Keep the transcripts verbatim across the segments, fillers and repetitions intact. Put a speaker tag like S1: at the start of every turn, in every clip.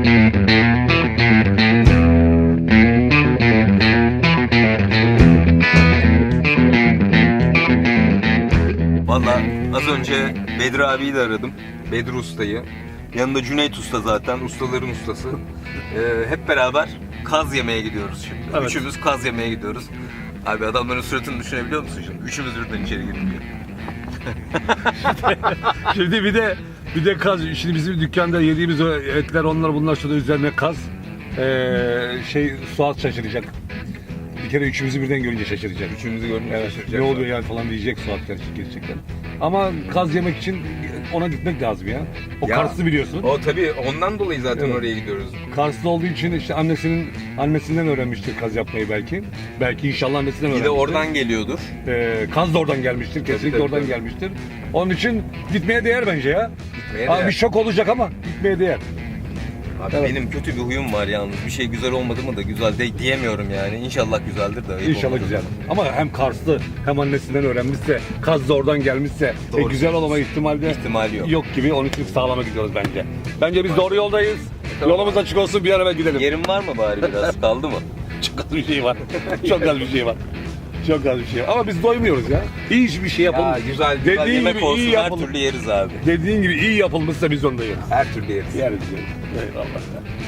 S1: Valla az önce Bedri abiyi de aradım. Bedri Usta'yı. Yanında Cüneyt Usta zaten, ustaların ustası. Ee, hep beraber kaz yemeye gidiyoruz şimdi.
S2: Evet.
S1: Üçümüz kaz yemeye gidiyoruz. Abi adamların suratını düşünebiliyor musun şimdi? Üçümüz birden içeri girmiyor.
S2: Şimdi bir de bir de kaz. Şimdi bizim dükkanda yediğimiz o etler, onlar bunlar, şurada üzerine kaz. Ee, şey Suat şaşıracak. Bir kere üçümüzü birden görünce şaşıracak.
S1: Üçümüzü görünce
S2: Evet,
S1: şaşıracak.
S2: ne oluyor yani falan diyecek Suat gerçekten. Ama kaz yemek için ona gitmek lazım ya. O
S1: Ya,
S2: Karslı biliyorsun.
S1: O tabii ondan dolayı zaten
S2: Evet.
S1: oraya gidiyoruz.
S2: Karslı olduğu için işte annesinin annesinden öğrenmiştir kaz yapmayı belki. Belki inşallah annesinden
S1: Bir
S2: öğrenmiştir.
S1: de oradan geliyordur.
S2: Ee, kaz da oradan gelmiştir. Kesinlikle
S1: tabii,
S2: oradan
S1: tabii.
S2: gelmiştir. Onun için gitmeye değer bence ya.
S1: Gitmeye
S2: Abi
S1: değer.
S2: bir şok olacak ama gitmeye değer.
S1: Abi
S2: Evet.
S1: benim kötü bir huyum var yalnız. Bir şey güzel olmadı mı da güzel de diyemiyorum yani. İnşallah güzeldir de. ayıp
S2: İnşallah
S1: olmadı
S2: güzel.
S1: da.
S2: Ama hem Karslı hem annesinden öğrenmişse, kaz da oradan gelmişse e,
S1: Doğru.
S2: güzel olma ihtimali
S1: İhtimali yok.
S2: yok gibi. Onun için sağlama gidiyoruz bence. Bence biz doğru yoldayız.
S1: Tamam.
S2: Yolumuz açık olsun, bir an evvel gidelim.
S1: Yerin var mı bari biraz? Kaldı mı?
S2: Çok az bir şey var. Çok az bir şey var. Çok az bir şey var. Ama biz doymuyoruz ya. İyi bir şey yapalım.
S1: Ya güzel, güzel
S2: Dediğin
S1: yemek
S2: gibi
S1: olsun
S2: iyi
S1: her
S2: yapalım.
S1: türlü yeriz abi.
S2: Dediğin gibi iyi yapılmışsa biz onda yeriz.
S1: Her türlü yeriz.
S2: Yeriz yeriz. Eyvallah.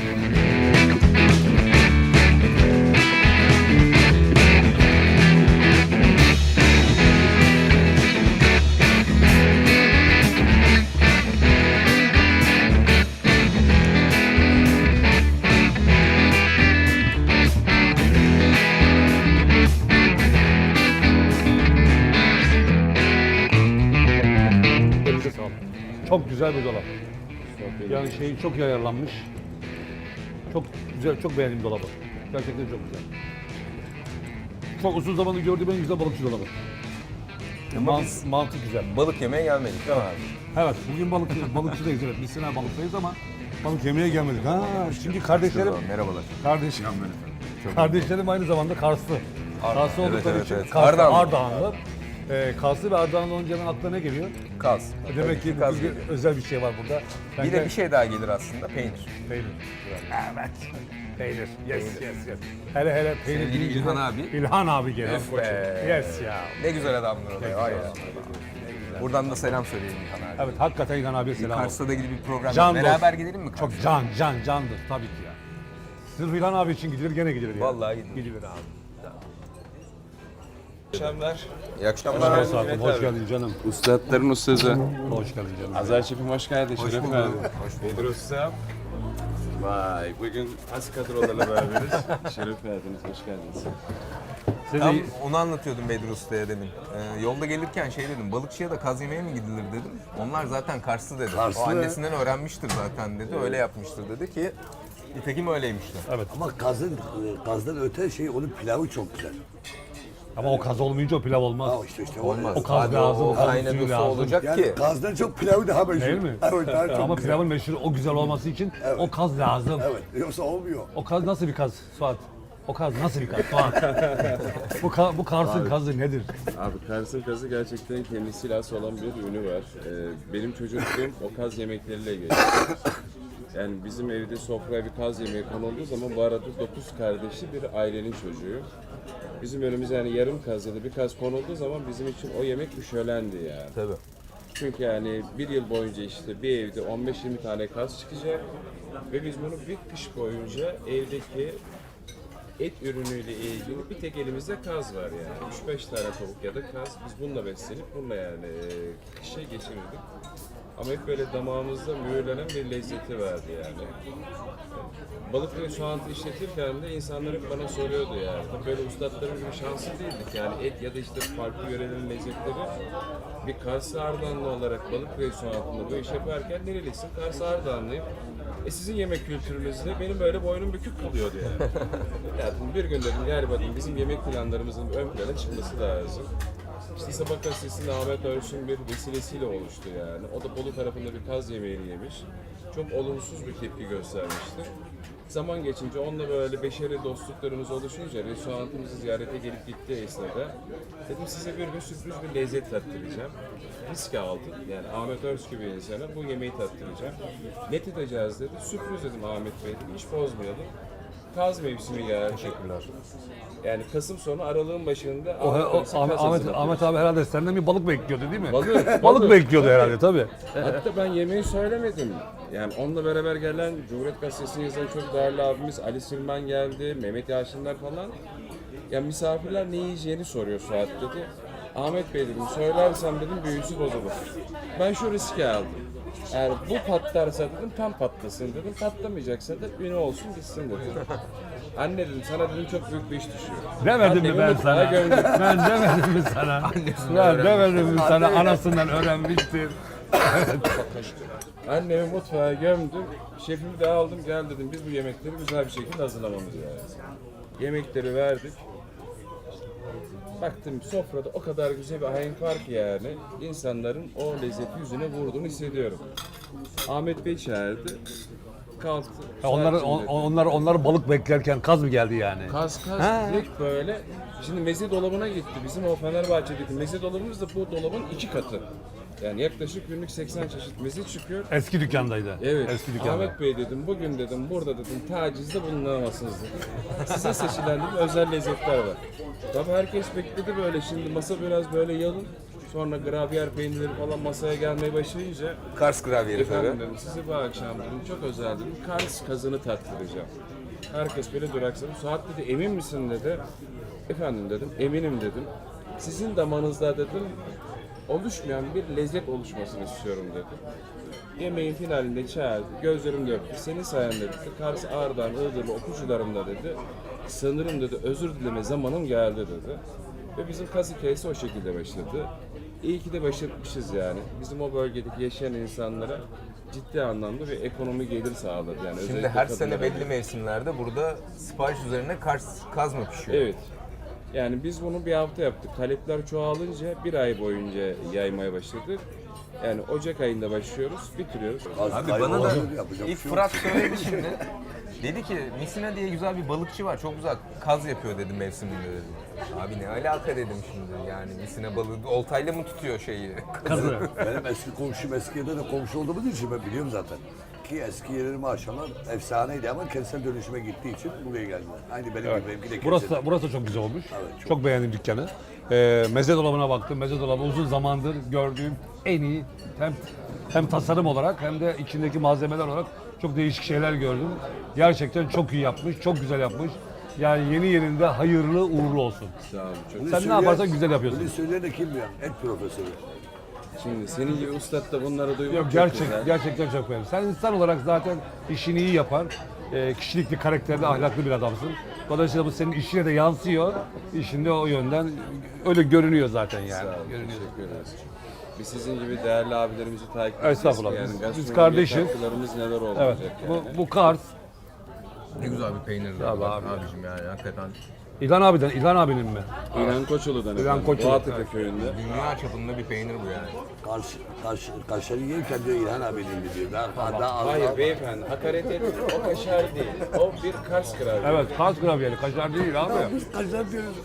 S2: Elinize sağlık. Çok güzel bir dolap. Yani şeyi çok iyi ayarlanmış. Çok güzel, çok beğendim dolabı. Gerçekten çok güzel. Çok uzun zamandır gördüğüm en güzel balıkçı dolabı.
S1: Ama
S2: Man-
S1: biz-
S2: mantık güzel.
S1: Balık yemeye gelmedik değil mi abi?
S2: Evet, bugün balık balıkçıdayız, evet. Biz sene balıktayız ama balık yemeye gelmedik. Ha, şimdi kardeşlerim,
S1: Merhabalar.
S2: kardeşim, kardeşlerim aynı zamanda Karslı. Karslı
S1: Evet,
S2: oldukları
S1: evet,
S2: için
S1: evet.
S2: Karslı,
S1: Ardahanlı.
S2: Ardahanlı. Ee, Karslı ve Ardahanlı olunca aklına ne geliyor?
S1: Kaz.
S2: Demek ki
S1: Kaz
S2: bugün
S1: geliyor.
S2: özel bir şey var burada.
S1: Bir de bir şey daha gelir aslında, peynir.
S2: Peynir. Evet. Peynir. Yes, yes, yes. Hele hele peynir.
S1: Sevgili
S2: deyince
S1: İlhan
S2: de-
S1: abi.
S2: İlhan abi gelir.
S1: Of be.
S2: Yes ya.
S1: Ne güzel adamdır o da ya.
S2: güzel
S1: Vay ya.
S2: adam.
S1: Buradan da selam söyleyelim İlhan abi.
S2: Evet, hakikaten İlhan abiye
S1: Bir
S2: selam olsun.
S1: Kars'ta da gidip bir program
S2: Can
S1: beraber
S2: dost.
S1: gidelim mi Kars'a?
S2: Çok can, can, candır tabii ki ya. Sırf İlhan abi için gidilir, gene gidilir ya.
S1: Vallahi gidilir.
S2: Gidilir abi.
S3: Akşamlar.
S1: İyi akşamlar.
S2: Hoş geldin, hoş geldin canım.
S3: Ustaların ustası.
S2: Hoş geldin canım.
S3: Azar Şef'im hoş geldin. Hoş
S1: bulduk.
S3: Hoş bulduk. Usta. Vay, bugün az kadrolarla beraberiz. Şeref verdiniz, hoş geldiniz.
S2: Seni
S1: Tam onu anlatıyordum Bedri Usta'ya demin. Ee, yolda gelirken şey dedim, balıkçıya da kaz yemeye mi gidilir dedim. Onlar zaten Karslı dedi.
S4: Karslı.
S1: O annesinden öğrenmiştir zaten dedi, öyle yapmıştır dedi ki nitekim öyleymişti.
S2: evet.
S4: Ama kazın, kazdan öte şey onun pilavı çok güzel.
S2: Ama o kaz olmayınca o pilav olmaz.
S4: Ha işte işte
S1: Olmaz.
S2: O kaz
S1: Abi
S2: lazım,
S1: o
S2: o kazın suyu
S1: kaynadı su
S2: lazım.
S1: olacak
S4: Yani
S1: ki.
S4: kazdan çok pilavı daha meşhur.
S2: Değil mi?
S4: Evet, daha çok
S2: Ama
S4: güzel.
S2: pilavın meşhur, o güzel olması için o kaz lazım.
S4: Evet, yoksa olmuyor.
S2: O kaz nasıl bir kaz Suat? O kaz nasıl bir kaz Suat? bu, ka- bu Kars'ın kazı nedir?
S3: Abi Kars'ın kazı gerçekten kendisiyle has olan bir ünü var. Ee, benim çocukluğum o kaz yemekleriyle geçti. Yani bizim evde sofraya bir kaz yemeği konulduğu zaman bu arada dokuz kardeşli bir ailenin çocuğu. Bizim önümüze yani yarım kaz ya da bir kaz konulduğu zaman bizim için o yemek bir şölendi yani.
S1: Tabii.
S3: Çünkü yani bir yıl boyunca işte bir evde on beş yirmi tane kaz çıkacak ve biz bunu bir kış boyunca evdeki et ürünüyle ilgili bir tek elimizde kaz var yani. üç beş tane tavuk ya da kaz. Biz bununla beslenip bununla yani e, kışı geçirirdik. Ama hep böyle damağımızda mühürlenen bir lezzeti vardı yani. Balık ve soğantı işletirken de insanlar hep bana soruyordu yani. Tabii böyle ustaların gibi şanslı değildik yani et ya da işte farklı yörelerin lezzetleri. Bir Kars Ardahanlı olarak balık ve soğantında bu iş yaparken nerelisin? Kars Ardahanlıyım. E sizin yemek kültürünüzde benim böyle boynum bükük kalıyordu yani. Yani bir gün dedim galiba dedim, bizim yemek planlarımızın ön plana çıkması lazım. İşte Sabah gazetesinde Ahmet Örsün bir vesilesiyle oluştu yani. O da Bolu tarafında bir kaz yemeğini yemiş. Çok olumsuz bir tepki göstermişti. Zaman geçince onunla böyle beşeri dostluklarımız oluşunca restoranımızı ziyarete gelip gittiği esnada dedim size bir gün sürpriz bir lezzet tattıracağım. Risk aldım. Yani Ahmet Özkü bir insana bu yemeği tattıracağım. Ne tadacağız dedi. Sürpriz dedim Ahmet Bey dedim. Hiç bozmayalım. Kaz mevsimi geldi. Teşekkürler. Yani Kasım sonu Aralık'ın başında
S2: O, o,
S3: Ahmet,
S2: Ahmet, Ahmet, Ahmet abi herhalde senden bir balık bekliyordu değil mi?
S3: Balık,
S2: Balık bekliyordu herhalde tabii.
S3: Hatta ben yemeği söylemedim. Yani onunla beraber gelen Cumhuriyet Gazetesi'ni yazan çok değerli abimiz Ali Süleyman geldi, Mehmet Yaşınlar falan. Ya misafirler ne yiyeceğini soruyor Suat dedi. Ahmet Bey dedim, söylersem dedim büyüsü bozulur. Ben şu riski aldım. Eğer bu patlarsa dedim tam patlasın dedim, patlamayacaksa da ünü olsun gitsin dedim. Anne dedim sana dedim çok büyük bir iş düşüyor.
S2: Demedim mi
S3: Annemi
S2: ben
S3: mutfağa
S2: sana?
S3: gömdüm.
S2: Ben demedim mi sana? Ben demedim mi sana? Anasından öğrenmiştir.
S3: Annemi mutfağa gömdüm, şefimi de aldım, gel dedim biz bu yemekleri güzel bir şekilde hazırlamamız lazım. Yemekleri verdik. Baktım sofrada o kadar güzel bir ahenk var ki yani, insanların o lezzeti yüzüne vurduğunu hissediyorum. Ahmet Bey çağırdı, kalktı.
S2: Onlar,
S3: Saat
S2: on,
S3: içinde-
S2: onlar, onlar balık beklerken kaz mı geldi yani?
S3: Kaz kaz
S2: Ha.
S3: direkt böyle. Şimdi meze dolabına gitti. Bizim o Fenerbahçe'deki meze dolabımız da bu dolabın iki katı. Yani yaklaşık günlük seksen çeşit meze çıkıyor.
S2: Eski dükkandaydı.
S3: Evet.
S2: Eski dükkanda.
S3: Ahmet Bey dedim, bugün dedim, burada dedim, tacizde bulunamazsınız dedim. Size seçilen dedim, özel lezzetler var. Tabii herkes bekledi böyle, şimdi masa biraz böyle yalın. Sonra gravyer peynirleri falan masaya gelmeye başlayınca
S1: Kars gravyeri
S3: efendim
S1: tabii.
S3: dedim, size bu akşam dedim, çok özel dedim, Kars kazını tattıracağım. Herkes böyle duraksadı. Suat dedi, emin misin dedi. Efendim dedim, eminim dedim. Sizin damanızda dedim, oluşmayan bir lezzet oluşmasını istiyorum dedi. Yemeğin finalinde çağırdı, gözlerim döktü. Senin sayende dedi, Kars, Ağrı'dan, Iğdır'lı okuyucularımla dedi, sanırım dedi, özür dileme zamanım geldi dedi. Ve bizim kaz hikayesi o şekilde başladı. İyi ki de başlatmışız yani. Bizim o bölgedeki yaşayan insanlara ciddi anlamda bir ekonomi gelir sağladı. Yani
S1: Şimdi
S3: özellikle
S1: her sene
S3: kadınlara.
S1: belli mevsimlerde burada sipariş üzerine Kars kaz mı pişiyor?
S3: Evet. Yani biz bunu bir hafta yaptık. Talepler çoğalınca bir ay boyunca yaymaya başladık. Yani Ocak ayında başlıyoruz, bitiriyoruz.
S4: Az
S1: Abi
S4: kaybolur,
S1: bana da
S4: yapacak bir
S1: ilk
S4: şey yok.
S1: Fırat söyledi şimdi. Dedi ki Misina diye güzel bir balıkçı var. Çok güzel kaz yapıyor dedi mevsiminde dedi. Abi ne alaka dedim şimdi yani Misina balığı oltayla mı tutuyor şeyi?
S2: Kazı.
S4: Benim eski komşum eski yerde de komşu olduğumuz için ben biliyorum zaten. Ki eski yerleri maşallah efsaneydi ama kentsel dönüşüme gittiği için buraya geldiler. Aynı benim gibi benimki de
S2: Burası
S4: kentsel.
S2: da, burası da çok güzel olmuş.
S4: Evet, çok.
S2: çok. beğendim dükkanı. Ee, meze dolabına baktım. Meze dolabı uzun zamandır gördüğüm en iyi hem hem tasarım olarak hem de içindeki malzemeler olarak çok değişik şeyler gördüm. Gerçekten çok iyi yapmış, çok güzel yapmış. Yani yeni yerinde hayırlı uğurlu olsun.
S3: Sağ olun. Çok.
S4: Bunu
S2: Sen ne
S4: söyleyen-
S2: yaparsan güzel yapıyorsun.
S4: Bunu söyleyen de kim ya? Et profesörü.
S3: Şimdi senin gibi ustad da bunları duymak
S2: Yok
S3: çok
S2: gerçek,
S3: güzel.
S2: gerçekten çok beğendim. Sen insan olarak zaten işini iyi yapan, e, kişilikli, karakterli, ahlaklı bir adamsın. Dolayısıyla bu senin işine de yansıyor. İşinde o yönden öyle görünüyor zaten yani.
S3: Sağ olun,
S2: Görünüyor.
S3: teşekkür ederiz. Biz sizin gibi değerli abilerimizi takip edeceğiz.
S2: Estağfurullah,
S3: ki Yani
S2: biz- biz
S3: gastronomiye
S2: kardeşiz.
S3: katkılarımız neler
S2: Evet.
S3: olacak
S2: Bu,
S3: yani.
S2: bu Kars.
S1: Ne güzel bir peynir
S2: Abi,
S1: bak
S2: abi.
S1: abicim yani hakikaten.
S2: İlhan abiden, İlhan abinin mi?
S3: İlhan Koçulu'dan
S2: İlhan
S3: efendim.
S2: Koçulu,
S3: Boğatepe
S2: evet.
S3: köyünde.
S1: Dünya çapında bir peynir bu yani.
S4: Karşı, karşı, kaşarı yerken diyor İlhan abinin diyor. Daha, daha az
S3: Hayır
S4: daha-
S3: beyefendi, hakaret etmeyin. O kaşar değil. O bir Kars kralı.
S2: Evet, Kars gravyeri, kaşar değil abi.
S4: Biz kaşar diyoruz.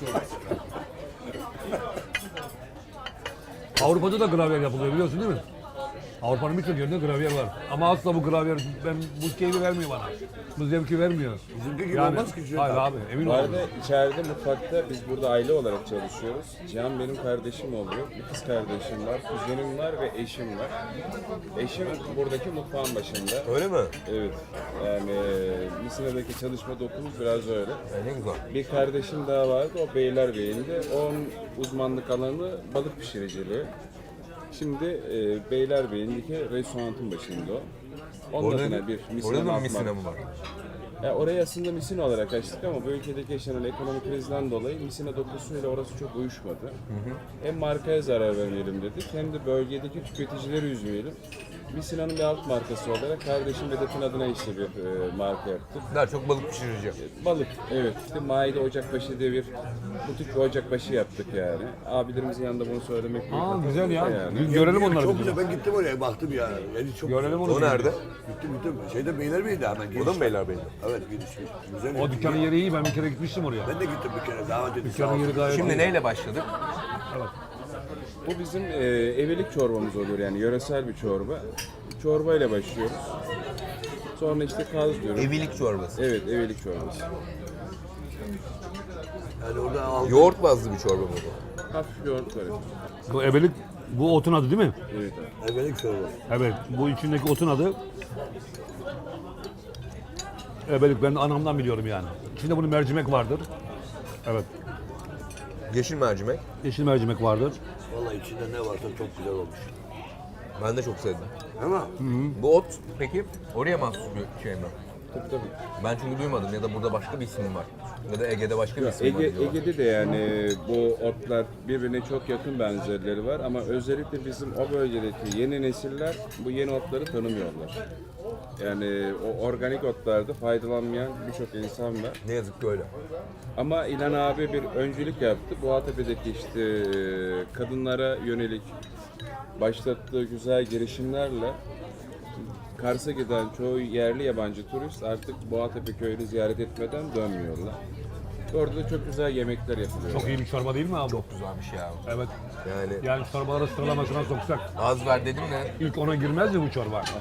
S2: Avrupa'da da gravyer yapılıyor biliyorsun değil mi? Avrupa'nın birçok yerinde gravyer var. Ama asla bu gravyer ben bu keyfi vermiyor bana. Bu zevki vermiyor.
S4: Bizimki gibi olmaz ki Cüneyt
S2: Hayır
S4: abi.
S2: abi, emin
S3: Bu
S2: ol.
S3: arada içeride mutfakta biz burada aile olarak çalışıyoruz. Cihan benim kardeşim oluyor. Bir kız kardeşim var, kuzenim var ve eşim var. Eşim buradaki mutfağın başında.
S1: Öyle mi?
S3: Evet. Yani Misina'daki çalışma dokumuz biraz öyle.
S1: E, ne güzel.
S3: Bir kardeşim daha vardı, o Beylerbeyi'nde. Onun uzmanlık alanı balık pişiriciliği. Şimdi e, Beylerbeyi'ndeki restoranın başında o. Onun
S1: Orada,
S3: adına bir
S1: orada
S3: Misina
S1: da mı
S3: atmak.
S1: Misina mı var?
S3: Ya orayı aslında Misina olarak açtık ama bu ülkedeki yaşanan ekonomik krizden dolayı Misina dokusuyla orası çok uyuşmadı. Hem markaya zarar vermeyelim dedik hem de bölgedeki tüketicileri üzmeyelim. Misina'nın bir alt markası olarak kardeşim Vedat'ın adına işte bir e, marka yaptık.
S1: Daha çok balık pişireceğim.
S3: Balık, evet. İşte Maide Ocakbaşı diye bir butik bir ocakbaşı yaptık yani. Abilerimizin yanında bunu söylemek büyük
S2: Aa
S3: mutluluk
S2: güzel ya.
S3: yani.
S2: Gö- Görelim onları.
S4: Çok
S2: bir
S4: güzel.
S2: gün.
S4: Ben gittim oraya baktım ya. Yani çok
S2: Görelim onu.
S1: O
S2: bir gün.
S1: nerede?
S4: Gittim gittim. Şeyde Beylerbeyi'de hemen.
S1: O da
S4: giriş.
S1: mı Beylerbeyi'de?
S4: Evet giriş. Güzel.
S2: O dükkanın yeri iyi. Ben bir kere gitmiştim oraya.
S4: Ben de gittim bir kere davet edildi.
S2: Dükkanın yeri gayet
S1: Şimdi
S2: iyi.
S1: neyle başladık?
S2: Evet.
S3: Bu bizim e, evelik çorbamız oluyor yani yöresel bir çorba. Çorba ile başlıyoruz. Sonra işte kaz diyoruz.
S1: Evilik çorbası.
S3: Evet, evelik çorbası.
S4: Yani orada aldım.
S1: Yoğurt bazlı bir çorba mı bu?
S3: Hafif yoğurt var.
S2: Bu ebelik, bu otun adı değil mi?
S3: Evet.
S4: Evelik çorbası.
S2: Evet. Bu içindeki otun adı ebelik. Ben de anamdan biliyorum yani. İçinde bunun mercimek vardır. Evet.
S1: Yeşil mercimek.
S2: Yeşil mercimek vardır.
S4: Vallahi içinde ne varsa çok güzel olmuş.
S1: Ben de çok sevdim.
S4: Ama
S1: Bu ot peki oraya mahsus bir şey mi?
S3: Tabii tabii.
S1: Ben çünkü duymadım ya da burada başka bir isim var. Ya da Ege'de başka bir isim var
S3: Ege,
S1: diyorlar.
S3: Ege'de de yani bu otlar birbirine çok yakın benzerleri var ama özellikle bizim o bölgedeki yeni nesiller bu yeni otları tanımıyorlar. Yani o organik otlarda faydalanmayan birçok insan var.
S1: Ne yazık ki öyle.
S3: Ama İlhan abi bir öncülük yaptı. Boğatepe'deki işte e, kadınlara yönelik başlattığı güzel girişimlerle Kars'a giden çoğu yerli yabancı turist artık Boğatepe köyünü ziyaret etmeden dönmüyorlar. Orada da çok güzel yemekler yapılıyor.
S2: Çok iyi bir çorba değil mi abi?
S1: Çok güzelmiş ya.
S2: Evet.
S1: Yani
S2: Yani çorbaları sıralamasına soksak
S1: az ver dedim de
S2: ilk ona girmez mi bu çorba?
S3: Aha.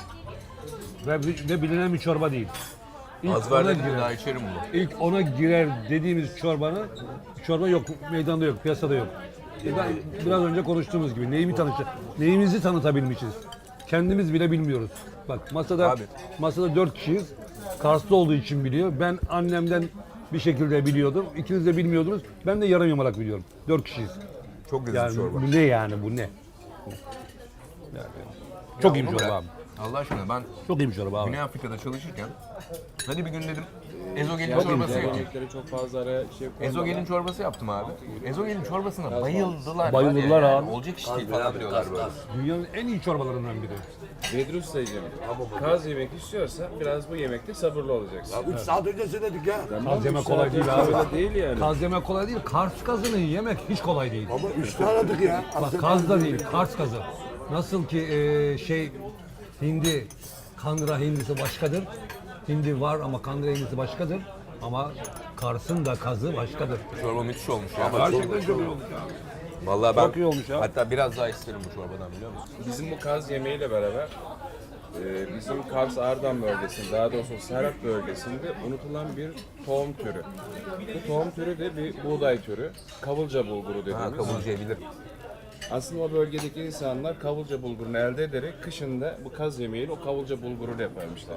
S2: Ve, ve bilinen bir çorba değil. İlk
S1: az ver
S2: ona
S1: dedim de
S2: girer.
S1: daha içerim bunu.
S2: İlk ona girer dediğimiz çorbanın çorba yok, meydanda yok, piyasada yok. E ben biraz önce konuştuğumuz gibi neyimi tanıtacak, neyimizi tanıtabilmişiz. Kendimiz bile bilmiyoruz. Bak masada
S1: Abi.
S2: masada dört kişiyiz. Karslı olduğu için biliyor. Ben annemden bir şekilde biliyordum. İkiniz de bilmiyordunuz. Ben de yarım yamalak biliyorum. Dört kişiyiz.
S1: Çok güzel
S2: Yani
S1: çorba.
S2: bu ne yani bu ne? Yani, çok iyi bir
S1: Oğlum
S2: çorba
S1: ya,
S2: abi.
S1: Allah aşkına ben
S2: Çok iyi bir çorba abi.
S1: Güney Afrika'da çalışırken hadi bir gün dedim ezogelin
S3: Yani
S1: çorbası
S3: diğer
S1: yapayım.
S3: yemekleri çok fazla araya şey
S1: Ezogelin çorbası yaptım abi. Ezogelin çorbasına bayıldılar.
S2: Bayıldılar
S1: var ya,
S2: abi.
S1: yani olacak iş değil
S4: Abi,
S1: falan
S4: abi,
S1: diyorlar
S4: kas,
S1: böyle.
S4: kas.
S2: Dünyanın en iyi çorbalarından biri.
S3: Bedri Usta'cığım, kaz yemek istiyorsan biraz bu yemekte sabırlı olacaksın.
S4: ya üç saat önce söyledik ya.
S2: Kaz yemek
S3: üç
S2: kolay
S3: saat
S2: değil
S3: önce
S2: abi.
S3: öyle değil yani.
S2: Kaz yemek kolay değil. Kars kazını yemek hiç kolay değil.
S4: Ama üç tane aradık ya.
S2: Bak kaz da değil, Kars kazı. Nasıl ki e, şey hindi, kandıra hindisi başkadır. Hindi var ama kandıra hindisi başkadır. Ama Kars'ın da kazı başkadır.
S1: Çorba müthiş olmuş ya.
S2: Gerçekten çok iyi olmuş ya.
S1: Vallahi ben
S2: Çok iyi olmuş ya.
S1: hatta biraz daha isterim bu çorbadan biliyor musun?
S3: Bizim bu kaz yemeğiyle beraber e, bizim Kars Ardahan bölgesinde, daha doğrusu Serhat bölgesinde unutulan bir tohum türü. Bu tohum türü de bir buğday türü. Kavulca bulguru dediğimiz.
S1: Ha kavurcayı bilirim.
S3: Aslında o bölgedeki insanlar kavulca bulgurunu elde ederek kışında bu kaz yemeğiyle o kavulca bulgurunu yaparmışlar.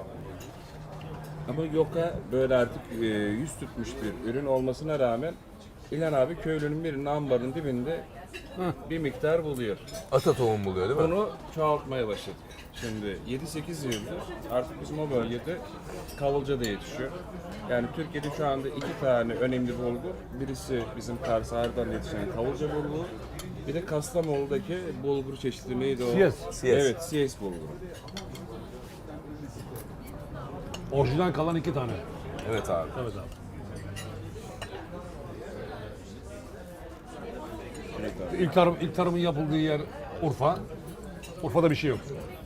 S3: Ama yoka böyle artık e, yüz tutmuş bir ürün olmasına rağmen İlhan abi köylünün birinin ambarın dibinde bir miktar buluyor.
S1: Ata tohum buluyor değil mi?
S3: Bunu çoğaltmaya başladık. Şimdi yedi sekiz yıldır artık bizim o bölgede kavulca da yetişiyor. Yani Türkiye'de şu anda iki tane önemli bulgur. Birisi bizim Kars Ardahan'da yetişen kavulca bulguru. Bir de Kastamonu'daki bulgur çeşidi neydi o?
S2: Siyes.
S1: Siyes.
S3: Evet, Siyes bulguru.
S2: Orijinal kalan iki tane.
S1: Evet abi.
S2: Evet abi.
S3: Evet abi.
S2: İlk, tarım, ilk tarımın yapıldığı yer Urfa. Urfa'da bir şey yok.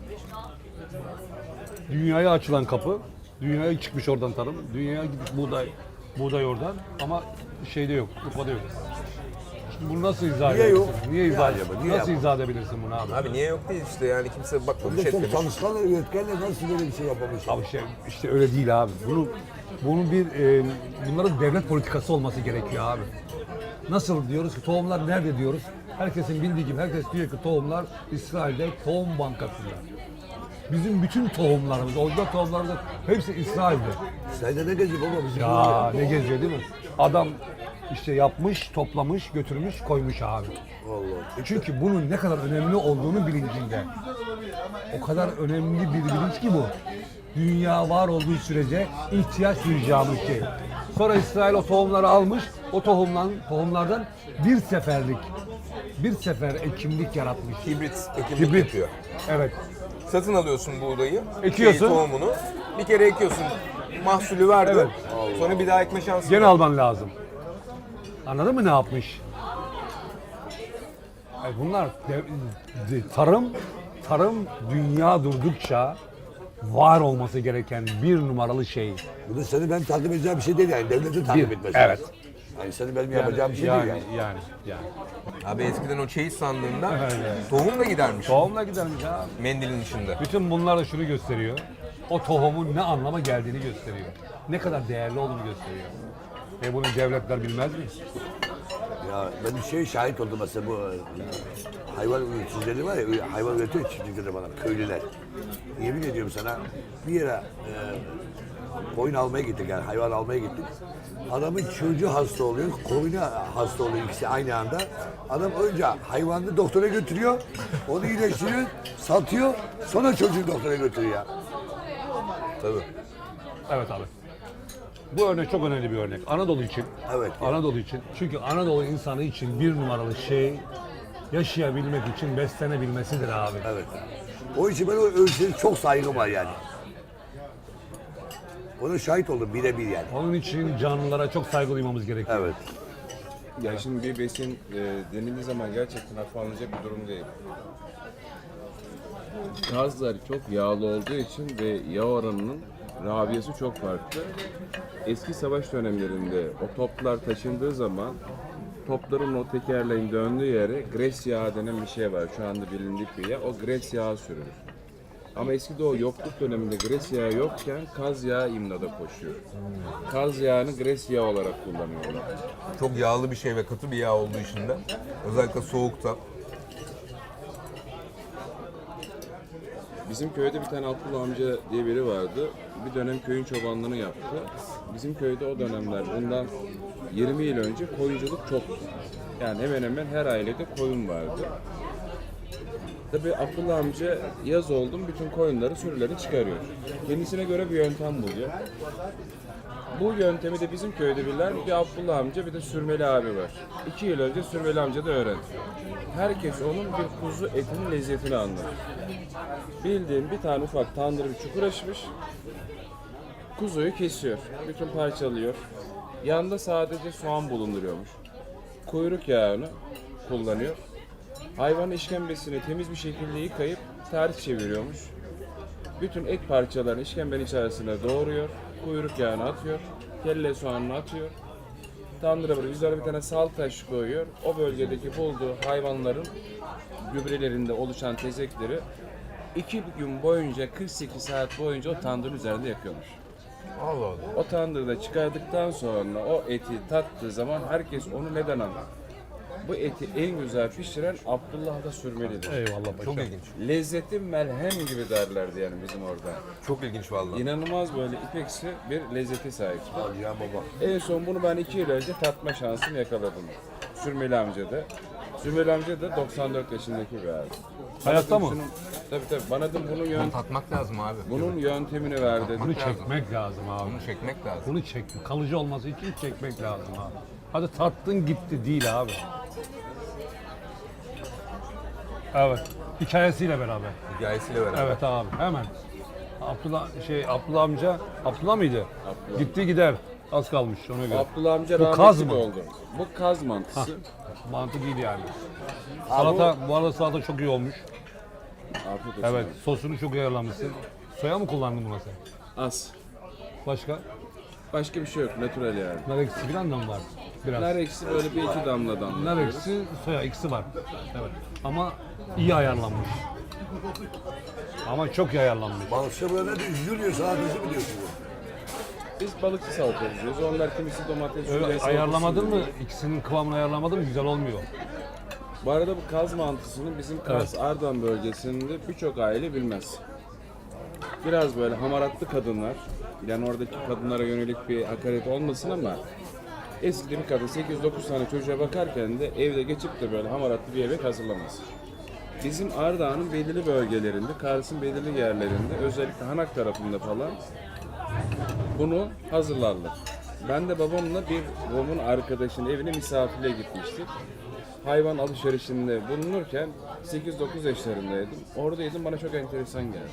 S2: Dünyaya açılan kapı. Dünyaya çıkmış oradan tarım. Dünyaya gitmiş buğday. Buğday oradan ama şeyde yok. Urfa'da yok. Şimdi bunu nasıl izah
S4: Niye
S2: edebilirsin?
S4: yok?
S2: Niye izah,
S4: Niye acaba? Niye
S2: nasıl
S4: yapalım?
S2: izah edebilirsin bunu abi?
S1: Abi niye yok değil işte yani kimse bakmamış
S4: Bir de çok
S1: etmemiş.
S4: çalışkanlar, üretkenler nasıl böyle bir şey yapamış?
S2: Abi işte, işte öyle değil abi. Bunu bunun bir e, bunların devlet politikası olması gerekiyor abi. Nasıl diyoruz ki tohumlar nerede diyoruz? Herkesin bildiği gibi herkes diyor ki tohumlar İsrail'de tohum bankasında. Bizim bütün tohumlarımız, orijinal tohumlarımız hepsi İsrail'de.
S4: Sen de ne geziyor baba bizim
S2: Ya ne geziyor değil mi? Adam işte yapmış, toplamış, götürmüş, koymuş abi.
S4: Allah.
S2: Çünkü bunun ne kadar önemli olduğunu bilincinde. O kadar önemli bir bilinç ki bu. Dünya var olduğu sürece ihtiyaç duyacağımız şey. Sonra İsrail o tohumları almış, o tohumdan, tohumlardan bir seferlik, bir sefer ekimlik yaratmış.
S1: Hibrit ekimlik
S2: Hibrit.
S1: yapıyor.
S2: Evet.
S1: satın alıyorsun buğdayı,
S2: Ekiyorsun.
S1: şeyi, tohumunu. Bir kere ekiyorsun, mahsulü verdi.
S2: Evet.
S1: Sonra bir daha ekme şansın
S2: Gene
S1: yok.
S2: alman lazım. Anladın mı ne yapmış? Ay bunlar de- de- tarım tarım dünya durdukça var olması gereken bir numaralı şey.
S4: Bu da seni ben takip edeceğim bir şey değil yani. Devletin takip
S2: Bir,
S4: etmesi.
S2: evet.
S4: lazım. Yani seni benim yapacağım bir şey
S2: yani,
S4: değil yani.
S2: yani, yani.
S1: Abi eskiden o çeyiz sandığında
S2: Evet.
S1: tohum da gidermiş
S2: Tohumla gidermiş abi.
S1: mendilin içinde.
S2: Bütün bunlar da şunu gösteriyor. O tohumun ne anlama geldiğini gösteriyor. Ne kadar değerli olduğunu gösteriyor. Ve bunu devletler bilmez mi?
S4: Ya ben bir şey şahit oldum mesela bu e, hayvan üreticileri var ya, hayvan üretiyor çiftlikleri bana, köylüler. Yemin ediyorum sana bir yere e, koyun almaya gittik yani hayvan almaya gittik. Adamın çocuğu hasta oluyor, koyunu hasta oluyor ikisi aynı anda. Adam önce hayvanını doktora götürüyor, onu iyileştiriyor, satıyor, sonra çocuğu doktora götürüyor.
S1: Tabii.
S2: Evet abi. Bu örnek çok önemli bir örnek. Anadolu için.
S4: Evet.
S2: Anadolu için. Çünkü Anadolu insanı için bir numaralı şey yaşayabilmek için beslenebilmesidir abi.
S4: Evet. O için ben o ölçüleri çok saygım var yani. Ona şahit oldum birebir yani.
S2: Onun için canlılara çok saygı duymamız gerekiyor.
S4: Evet.
S3: Ya şimdi bir besin e, denildiği zaman gerçekten hafife alınacak bir durum değil. Kazlar çok yağlı olduğu için ve yağ oranının rabiyesi çok farklı. Eski savaş dönemlerinde o toplar taşındığı zaman topların o tekerleğin döndüğü yere gres yağı denen bir şey var. Şu anda bilindik bir yağ. O gres yağı sürülür. Ama eskide o yokluk döneminde gres yağı yokken kaz yağı imdada koşuyor. Kaz yağını gres yağı olarak kullanıyorlar.
S1: Çok yağlı bir şey ve katı bir yağ olduğu için de özellikle soğukta.
S3: Bizim köyde bir tane Abdullah amca diye biri vardı. Bir dönem köyün çobanlığını yaptı. Bizim köyde o dönemler bundan yirmi yıl önce koyunculuk çoktu. Yani hemen hemen her ailede koyun vardı. Tabii Abdullah amca yaz oldum bütün koyunları, sürüleri çıkarıyor. Kendisine göre bir yöntem buluyor. Bu yöntemi de bizim köyde bilen bir Abdullah amca bir de Sürmeli abi var. İki yıl önce Sürmeli amca da öğrendi. Herkes onun bir kuzu etinin lezzetini anlar. Bildiğin bir tane ufak tandır bir çukur açmış. Kuzuyu kesiyor. Bütün parçalıyor. Yanında sadece soğan bulunduruyormuş. Kuyruk yağını kullanıyor. Hayvan işkembesini temiz bir şekilde yıkayıp ters çeviriyormuş. Bütün et parçalarını işkembenin içerisine doğruyor. Kuyruk yağını atıyor. Kelle soğanını atıyor. Tandıra böyle üzerine bir tane sal taş koyuyor. O bölgedeki bulduğu hayvanların gübrelerinde oluşan tezekleri iki gün boyunca kırk sekiz saat boyunca o tandırın üzerinde yakıyormuş.
S1: Allah Allah.
S3: O tandırda çıkardıktan sonra o eti tattığı zaman herkes onu neden anlar? Bu eti en güzel pişiren Abdullah da Sürmeli'dir.
S2: Eyvallah paşa.
S1: Çok ilginç.
S3: Lezzeti melhem gibi derlerdi yani bizim orada.
S1: Çok ilginç vallahi.
S3: İnanılmaz böyle ipeksi bir lezzeti sahip.
S4: Hadi ya baba.
S3: En son bunu ben iki yıl önce tatma şansını yakaladım. Sürmeli amca da. Sürmeli amca da doksan dört yaşındaki bir abi.
S2: Hayatta mı?
S3: Şunun- Tabii tabii. Bana da bunun, yön,
S1: Tatmak lazım abi.
S3: bunun yöntemini ver dedi.
S2: Bunu çekmek lazım abi.
S1: Bunu çekmek lazım.
S2: Bunu çek, kalıcı olması için çekmek lazım abi. Hadi tattın gitti değil abi. Evet. Hikayesiyle beraber.
S1: Hikayesiyle beraber.
S2: Evet abi hemen. Abdullah şey Abdullah amca Abdullah mıydı?
S3: Abdullah.
S2: Gitti gider. Az kalmış ona göre.
S3: Abdullah amca
S2: Bu
S3: rahmetli
S2: kaz
S3: de
S2: mı?
S3: oldu. Bu kaz mantısı.
S2: Mantı değil yani. Salata bu arada salata çok iyi olmuş.
S3: Afiyet olsun.
S2: Evet sosunu çok iyi ayarlamışsın. Soya mı kullandın buna sen?
S3: Az.
S2: Başka?
S3: Başka bir şey yok. Natural yani.
S2: Nar ekşisi falan da mı var? Biraz.
S3: Nar ekşisi böyle bir iki damla damla.
S2: Nar ekşisi, soya ikisi var. Evet. Ama iyi ayarlanmış. Ama çok iyi ayarlanmış.
S4: Balıkçı böyle de üzülüyor sadece mi diyorsun?
S3: Biz balıkçı salata yapıyoruz. Onlar kimisi domates,
S2: Öyle
S3: sürüyor,
S2: ayarlamadın
S3: salatası
S2: mı?
S3: yapıyor.
S2: İkisinin kıvamını ayarlamadın mı? Güzel olmuyor.
S3: Bu arada bu kaz mantısını bizim Kars Ardahan bölgesinde birçok aile bilmez. Biraz böyle hamaratlı kadınlar, yani oradaki kadınlara yönelik bir hakaret olmasın ama eskiden bir kadın sekiz dokuz tane çocuğa bakarken de evde geçip de böyle hamaratlı bir yemek hazırlamaz. Bizim Ardahan'ın belirli bölgelerinde, Kars'ın belirli yerlerinde, özellikle Hanak tarafında falan bunu hazırlarlar. Ben de babamla bir babamın arkadaşının evine misafirliğe gitmiştik. hayvan alışverişinde bulunurken sekiz dokuz yaşlarındaydım. Oradaydım, bana çok enteresan geldi.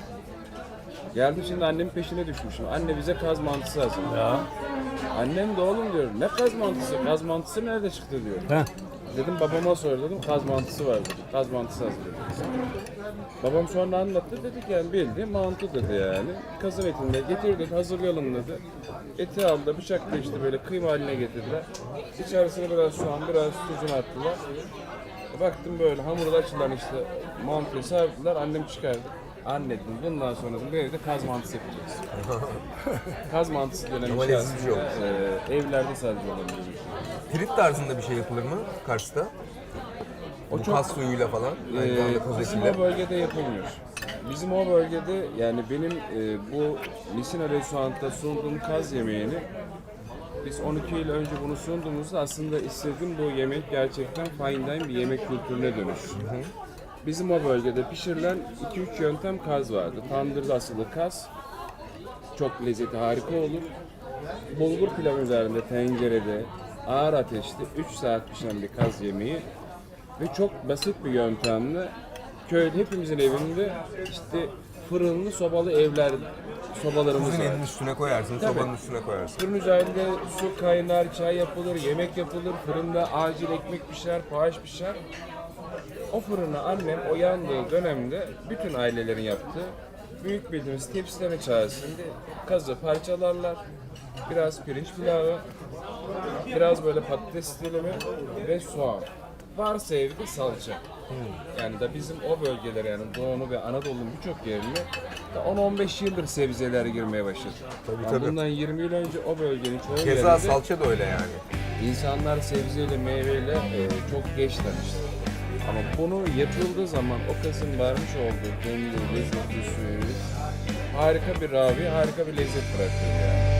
S3: Geldim şimdi annemin peşine düşmüşüm. Anne bize kaz mantısı hazırla.
S2: Ya.
S3: Annem de oğlum diyor, ne kaz mantısı? Kaz mantısı nerede çıktı diyor.
S2: Heh.
S3: Dedim babama sor dedim, kaz mantısı var dedi. Kaz mantısı hazırladı. Babam sonra anlattı, dedik yani bildi, mantı dedi yani. Kazın etini de getirdik, hazırlayalım dedi. Eti aldı, bıçakla işte böyle kıyma haline getirdiler. İçerisine biraz soğan, biraz tuzunu attılar. Baktım böyle hamurda açılan işte mantıyı serdiler, annem çıkardı. Anne dedim, bundan sonra dedim, bu evde kaz mantısı yapacağız. Kaz mantısı denen
S1: Ama
S3: bir şey
S1: leziz bir şey
S3: aslında e, evlerde sadece olan bir şey.
S1: Trit tarzında bir şey yapılır mı Kars'ta?
S3: O
S1: Bu
S3: çok-
S1: kas suyuyla falan. Aynı
S3: Ee,
S1: zamanda kaz
S3: bizim
S1: etiyle.
S3: o bölgede yapılmıyor. Bizim o bölgede yani benim e, bu Misina Restoran'ta sunduğum kaz yemeğini biz on iki yıl önce bunu sunduğumuzda aslında istedim bu yemek gerçekten fine dine bir yemek kültürüne dönüşsün. Bizim o bölgede pişirilen iki üç yöntem kaz vardı. Tandırda asılı kaz. Çok lezzeti harika olur. Bulgur pilavı üzerinde tencerede ağır ateşte üç saat pişen bir kaz yemeği ve çok basit bir yöntemle köyde hepimizin evinde işte fırınlı sobalı evler sobalarımız
S1: Kuzun
S3: var.
S1: elinin üstüne koyarsın,
S3: Tabii.
S1: sobanın üstüne koyarsın.
S3: Fırın üzerinde su kaynar, çay yapılır, yemek yapılır, fırında acil ekmek pişer, poğaç pişer. O fırına annem o yandığı dönemde bütün ailelerin yaptığı büyük bildiğimiz tepsileme içerisinde kazı parçalarlar, biraz pirinç pilavı, biraz böyle patates dilimi ve soğan. Varsa evde salça. Yani da bizim o bölgelere yani Doğu'nu ve Anadolu'nun birçok yerine da on on beş yıldır sebzeler girmeye başladı.
S1: Tabii,
S3: Yani
S1: tabii.
S3: bundan yirmi yıl önce o bölgenin çoğu
S1: Keza
S3: yerinde
S1: salça da öyle yani.
S3: insanlar sebzeyle, meyveyle e, çok geç tanıştı. Ama bunu yapıldığı zaman o kazın vermiş olduğu kendi lezzetli suyu harika bir ravi, harika bir lezzet bırakıyor yani.